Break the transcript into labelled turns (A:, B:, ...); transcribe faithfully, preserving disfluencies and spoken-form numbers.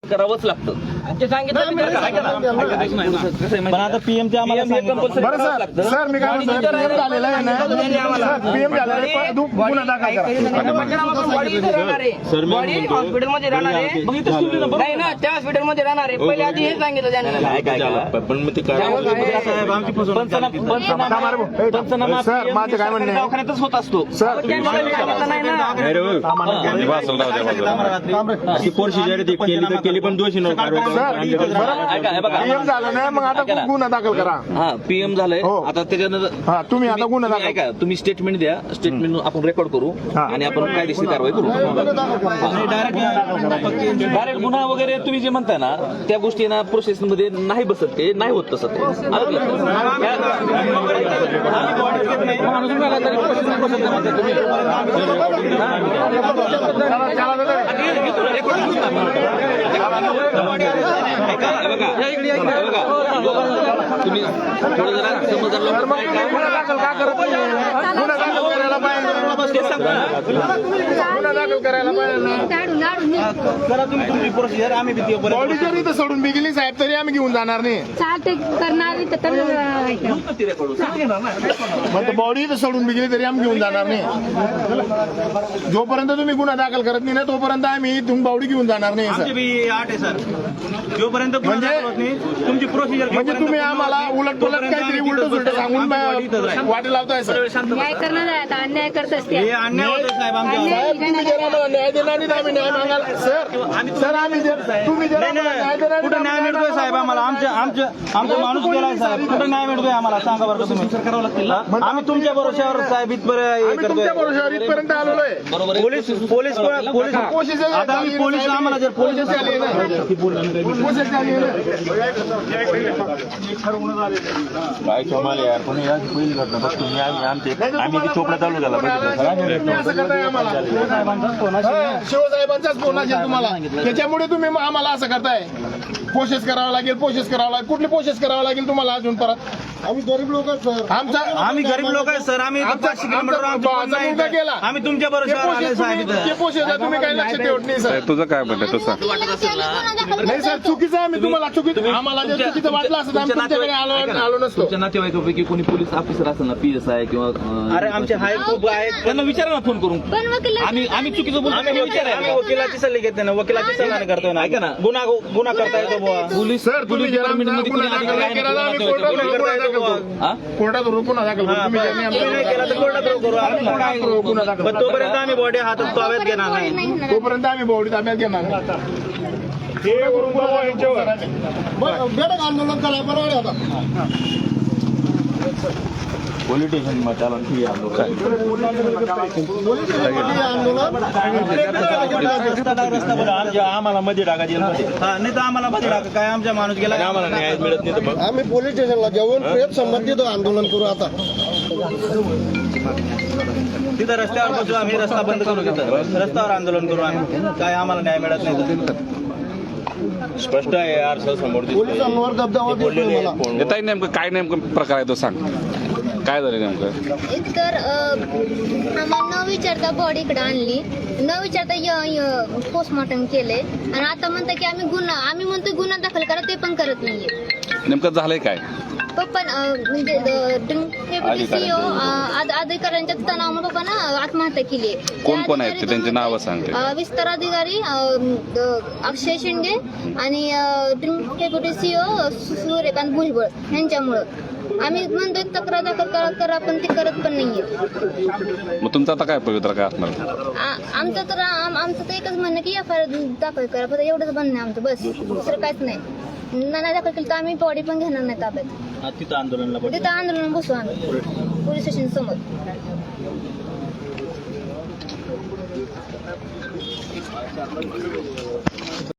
A: करावंच लागतं.
B: पण आता पीएमचे आम्हाला
C: बरं सर सर मी काय म्हणतो पीएम झालेला आहे ना पीएम झालेला आहे गुन्हा दाखल करा
D: हॉस्पिटलमध्ये राहणार आहे नाही ना त्या हॉस्पिटलमध्ये राहणार आहे पहिले आधी हे सांगितलं त्यांनी.
A: पण मग ते पंचनामा
C: सर माझं काय म्हणणं आहे
A: दवाखान्यातच होत असतो
C: सर
B: केली पण दोषी
C: पीएम झालं ना मग आता गुन्हा दाखल करा.
A: हा पीएम झालंय आता त्याच्यानंतर
C: हा तुम्ही आता गुन्हा दाखल
A: ऐका तुम्ही स्टेटमेंट द्या स्टेटमेंट आपण रेकॉर्ड करू आणि आपण कायदेशीर कारवाई करू. डायरेक्ट गुन्हा वगैरे तुम्ही जे म्हणताय ना त्या गोष्टी ना प्रोसेस मध्ये नाही बसत ते नाही होत तसं तुम्ही थोडं जरा समजदार
C: गुन्हा दाखल का करत गुन्हा दाखल करायला पाहिजे गुन्हा दाखल करायला पाहिजे
B: आम्ही
C: बॉडी जरी तर सोडून बी गेली साहेब तरी आम्ही घेऊन जाणार नाही. मग बॉडी तर सोडून बी गेली तरी आम्ही घेऊन जाणार नाही. जोपर्यंत तुम्ही गुन्हा दाखल करत नाही ना तोपर्यंत आम्ही तुम्ही बॉडी घेऊन जाणार नाही सर.
B: आठ आहे सर जोपर्यंत
C: म्हणजे
B: तुमची प्रोसिजर
C: म्हणजे तुम्ही आम्हाला उलट पुलट काहीतरी उलट सुलट सांगून वाटे लावताय सर.
E: न्याय करणार आहे आता अन्याय करत असते
B: हे अन्याय होतो साहेब आमच्या
C: साहेब तुम्ही जर आम्हाला न्याय देणार नाही तर आम्ही न्याय मागायला सर सर आम्ही जर तुम्ही जर आम्हाला न्याय देणार
B: कुठं न्याय मिळतोय साहेब आम्हाला आमच्या आमच्या आमचा माणूस गेलाय साहेब कुठं न्याय मिळतोय आम्हाला सांगा बरं तुम्ही करावं लागतील आम्ही तुमच्या भरोश्यावर साहेब इथपर्यंत
C: आम्ही तुमच्या भरोश्यावर इथपर्यंत आलेलो आहे.
B: पोलीस पोलीस पोलीस
C: कोशिश
B: आता आम्ही पोलीस आम्हाला जर पोलीस
C: झाली ना कोशिश झाली ना
F: काय कमाल यार पण या पहिली घटना बघ तुम्ही आमचे आम्ही ती चोपडा चालू झाला
C: तुम्ही असं करताय आम्हाला शिवसाहेबांचाच फोन असेल तुम्हाला त्याच्यामुळे तुम्ही आम्हाला असं करताय. प्रोसेस करावं लागेल प्रोसेस करावं लागेल कुठली प्रोसेस करावं लागेल तुम्हाला अजून परत आम्ही गरीब लोक सर आमचा
B: आम्ही गरीब लोक आहे सर आम्ही पाचशे किलोमीटर
C: गेला
B: आम्ही तुमच्या भरोश्यावर
C: प्रोसेस तुम्ही काही लक्ष ठेवत नाही सर.
F: तुझं काय म्हणतं तसं
C: नाही सर चुकीचं आम्ही तुम्हाला चुकीचं आम्हाला जर चुकीचं वाटलं असं आम्ही तुमच्याकडे आलो आलो नसतो.
A: तुमच्या नातेवाईकापैकी कोणी पोलीस ऑफिसर असेल ना पीएसआय किंवा
B: अरे आमचे हाय खूप आहेत
A: त्यांना विचारा ना फोन करून
E: पण वकील
A: आम्ही आम्ही चुकीचं बोलतो
B: आम्ही
A: विचारायला
B: वकिलाची सल्ले घेते ना वकिलाची सल्ला नाही करतोय ना
A: ऐका ना
B: गुन्हा गुन्हा करता येतो बुवा
A: पोलीस
C: सर तुम्ही जर
A: डिपार्टमेंट मध्ये कोणी अधिकारी आहे ना,
C: आम्ही कोर्टात गुन्हा दाखल करू.
A: हा?
C: कोर्टात गुन्हा दाखल करू. तुम्ही ज्यांनी
B: तुम्ही नाही केला तर कोर्टात करू आम्ही
C: आम्हाला गुन्हा दाखल
B: पण तोपर्यंत आम्ही बॉडी हातात ताब्यात घेणार नाही
C: तोपर्यंत आम्ही बॉडी ताब्यात घेणार हे बेडक आंदोलन करा बरोबर आता
F: पोलीस स्टेशन चालन ठीक आहे आम्हाला मध्ये टाका
B: नाही तर आम्हाला मध्ये टाका काय आमच्या माणूस गेला
F: आम्हाला न्याय मिळत नाही तर मग
C: आम्ही पोलीस स्टेशनला जेवण प्रेम संबंधित आंदोलन करू आता
B: तिथं रस्त्यावर बसू आम्ही रस्ता बंद करू तिथं रस्त्यावर आंदोलन करू आम्ही काय आम्हाला न्याय मिळत नाही
F: स्पष्ट आहे यार सर समोर
C: पोलिसांवर दबदबा देतोय मला.
F: येताय नेमकं काय नेमकं प्रकार आहे तो सांग काय झालं नेमकं.
E: एकतर आम्हाला न विचारता बॉडी इकडे आणली न विचारता पोस्टमॉर्टम केले आणि आता म्हणता की आम्ही गुन्हा आम्ही म्हणतो गुन्हा दाखल करा ते पण करत नाहीये.
F: नेमकं झालंय काय
E: पप्पा म्हणजे डेप्युटी सीईओ अधिकाऱ्यांच्या तणावामुळे पप्पानं आत्महत्या केली.
F: कोण कोण आहेत ते त्यांची नावं सांगते.
E: विस्तार अधिकारी अक्षय शिंदे आणि डेप्युटी सीईओ सूर्यकांत भुजबळ यांच्यामुळं आम्ही म्हणतोय तक्रार दाखल करा करा पण ते करत पण नाहीये.
F: मग तुमचं आता काय पवित्र काय असणार
E: आमचं तर आमचं तर एकच म्हणणं की एफ आय आर दाखल करा फक्त एवढंच म्हणणं आहे आमचं बस दुसरं काहीच नाही. नाही दाखल केलं तर आम्ही बॉडी पण घेणार नाही ताब्यात
B: तिथं आंदोलनला
E: तिथं आंदोलन बसू आम्ही पोलीस स्टेशन समोर.